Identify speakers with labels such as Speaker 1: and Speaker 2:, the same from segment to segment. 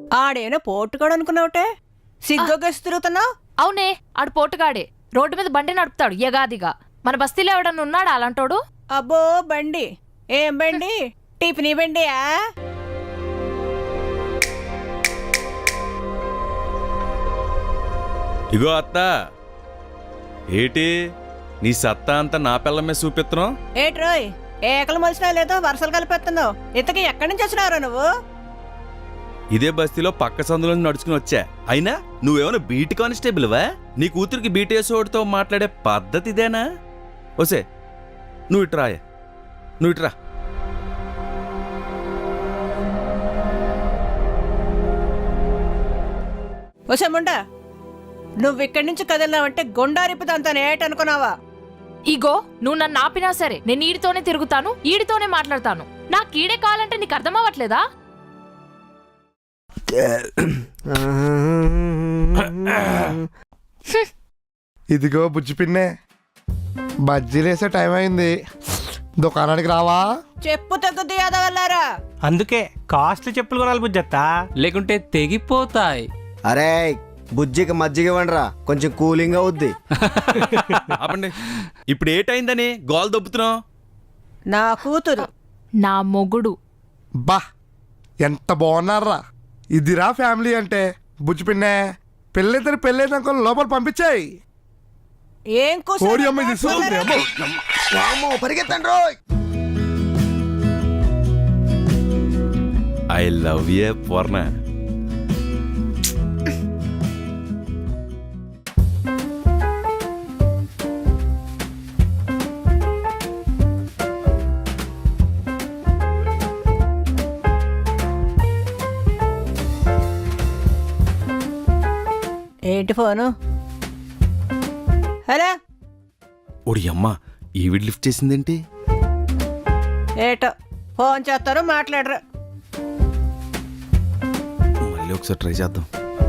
Speaker 1: ఆడేనా పోటుగాడు అనుకున్నావుటే సిగ్గొగ్గేసి తిరుగుతున్నావు.
Speaker 2: అవునే, ఆడు పోటుగాడే. రోడ్డు మీద బండి నడుపుతాడు యగాదిగా. మన బస్తీలో ఎవడన్నా ఉన్నాడా అలాంటోడు?
Speaker 1: అబ్బో బండి, ఏం బండి? టిఫినీ బండియా?
Speaker 3: ఇగో అత్త, ఏటి నీ సత్తా అంతా నా పిల్లమే చూపిస్తున్నావు?
Speaker 1: ఏట్రోయ్, ఏకలు మలిసినా లేదో వరుసలు కలిపేస్తున్నావు. ఇంతకీ ఎక్కడి నుంచి వచ్చినారా నువ్వు?
Speaker 3: ఇదే బస్తీలో పక్క సందులో నడుచుకుని వచ్చా. అయినా నువ్వేమైనా బీట్ కానిస్టేబుల్వా? నీ కూతురికి బీటేసోడితో మాట్లాడే పద్ధతి ఇదేనా? ఓసే నువ్వు ఇట్రాయే, నువ్వు ఇట్రా.
Speaker 1: ఓసే ముండా, నువ్వు ఇక్కడి నుంచి కదిలినావంటే గుండారిపుదంతాను ఏటనుకున్నావా?
Speaker 2: ఇగో, నువ్వు నన్ను ఆపినా సరే నేను ఈడితోనే తిరుగుతాను, ఈడితోనే మాట్లాడతాను. నాకు ఈడే కావాలంటే నీకు అర్థమవ్వట్లేదా?
Speaker 4: ఇదిగో బుజ్జి పిన్నే, బజ్జీలేసే టైం అయింది, దుకాణానికి రావా?
Speaker 1: చెప్పు తగ్గుద్ది యాదవల్లారా.
Speaker 5: అందుకే కాస్ట్లీ చెప్పులు కొనాలి బుజ్జత్తా,
Speaker 6: లేకుంటే తెగిపోతాయి.
Speaker 7: అరే బుజ్జికి మజ్జిగ ఇవ్వండిరా, కొంచెం కూలింగ్ అవుద్ది.
Speaker 3: ఆపండి. ఇప్పుడు ఏటైందని గోల్ దొబ్బుతున్నావు?
Speaker 1: నా కూతురు.
Speaker 2: నా మొగుడు.
Speaker 4: బా ఎంత బాగున్నారా, ఇదిరా ఫ్యామిలీ అంటే. బుజ్జి పిన్నే, పెళ్ళిద్దరు పెళ్ళైనాక లోపల పంపించాయి.
Speaker 1: ఏం
Speaker 4: కోడి అమ్మ ఇది చూస్తుంది, అమ్మో.
Speaker 7: వామ్మో, పరిగెత్తండి రోయ్.
Speaker 3: I love you Purna.
Speaker 1: ఏంటి ఫోను? హలో,
Speaker 3: ఒడి అమ్మ, ఈవిడ లిఫ్ట్ చేసిందేంటి?
Speaker 1: ఏటో ఫోన్ చేస్తారు, మాట్లాడరు.
Speaker 3: మళ్ళీ ఒకసారి ట్రై చేద్దాం.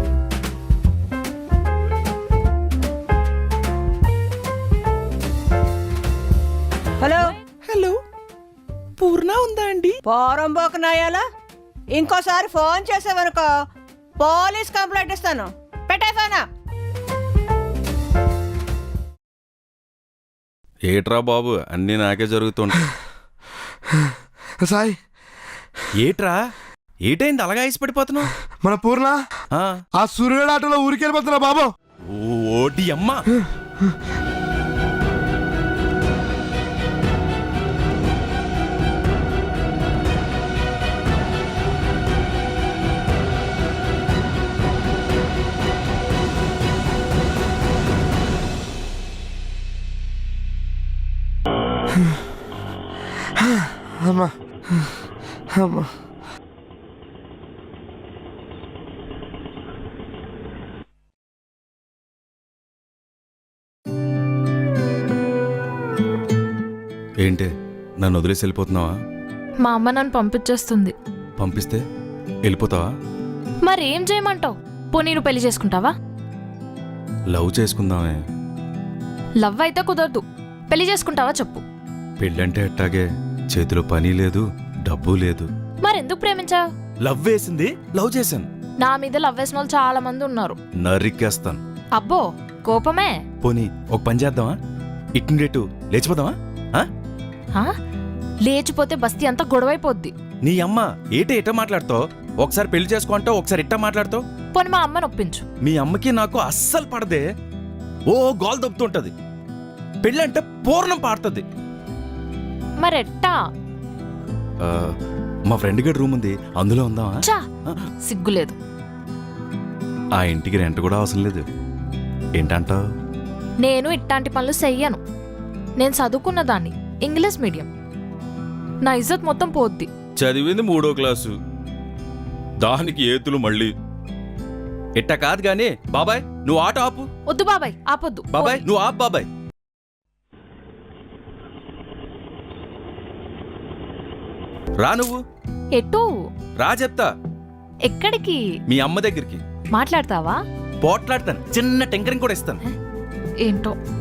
Speaker 1: హలో
Speaker 3: హలో, పూర్ణ ఉందా అండి?
Speaker 1: పోరంబోకు నాయాలా, ఇంకోసారి ఫోన్ చేసావనుకో పోలీస్ కంప్లైంట్ ఇస్తాను. పెట్టే ఫోనా.
Speaker 3: ఏట్రా బాబు, అన్నీ నాకే జరుగుతుంటాయి.
Speaker 4: సాయి,
Speaker 3: ఏట్రా, ఏటైంది అలాగా ఐసి పడిపోతున్నావు?
Speaker 4: మన పూర్ణ ఆ సూర్యుడు ఆటోలో ఊరికి వెళ్ళిపోతున్నా బాబు.
Speaker 3: ఓటి అమ్మ,
Speaker 4: అమ్మా అమ్మా.
Speaker 3: ఏంటి నన్ను వదిలేసి వెళ్ళిపోతున్నావా?
Speaker 2: మా అమ్మ నన్ను పంపించేస్తుంది.
Speaker 3: పంపిస్తే వెళ్ళిపోతావా?
Speaker 2: మరేం చేయమంటావు? పోనీ నువ్వు పెళ్లి చేసుకుంటావా?
Speaker 3: లవ్ చేసుకుందామే.
Speaker 2: లవ్ అయితే కుదరదు, పెళ్లి చేసుకుంటావా చెప్పు.
Speaker 3: పెళ్ళంటే అట్టాగే, చేతిలో పని లేదు, డబ్బు లేదు.
Speaker 2: మరెందుకు ప్రేమించావు?
Speaker 3: లవ్ వేసింది, లవ్ చేశాను.
Speaker 2: నా మీద లవ్ వేసిన వాళ్ళు చాలా మంది ఉన్నారు.
Speaker 3: నరికేస్తాను.
Speaker 2: అబ్బో కోపమే.
Speaker 3: పోనీ ఒక పని చేద్దామా? ఇట్నుండేటు లేచిపోదామా?
Speaker 2: ఆ? లేచిపోతే బస్తీ అంతా గొడవైపోద్ది.
Speaker 3: నీ అమ్మ ఏటో మాట్లాడుతావు? ఒకసారి పెళ్లి చేసుకో అంటావు, ఒకసారి ఇట్టా మాట్లాడుతావు.
Speaker 2: పోనీ మా అమ్మని ఒప్పించు.
Speaker 3: మీ అమ్మకి నాకు అస్సలు పడదే. ఓ గోల్ దొబ్బుతుంటది. పెళ్ళంటే పూర్ణం పాడుతుంది.
Speaker 2: మరెట్టా?
Speaker 3: మా ఫ్రెండ్ గడి రూమ్ ఉంది, అందులో ఉందామా?
Speaker 2: చా, సిగ్గులేదు.
Speaker 3: ఆ ఇంటికి రెంట్ కూడా అవసరం లేదు. ఏంటంటావు?
Speaker 2: నేను ఇట్లాంటి పనులు చెయ్యను. నేను చదువుకున్న దాన్ని, ఇంగ్లీష్ మీడియం. నా ఇజ్జత్ మొత్తం పోద్ది.
Speaker 3: చదివింది 3వ క్లాసు, దానికి ఏతులు మళ్ళీ. ఇట్ట కాదు గాని బాబాయ్, నువ్వు ఆట ఆపు.
Speaker 2: వద్దు బాబాయ్, ఆపొద్దు.
Speaker 3: బాబాయ్ నువ్వు ఆపు. బాబాయ్ రా, నువ్వు
Speaker 2: ఎటు
Speaker 3: రా చెప్తా.
Speaker 2: ఎక్కడికి?
Speaker 3: మీ అమ్మ దగ్గరికి.
Speaker 2: మాట్లాడతావా?
Speaker 3: పోట్లాడతాను, చిన్న టెంకరింగ్ కూడా ఇస్తాను.
Speaker 2: ఏంటో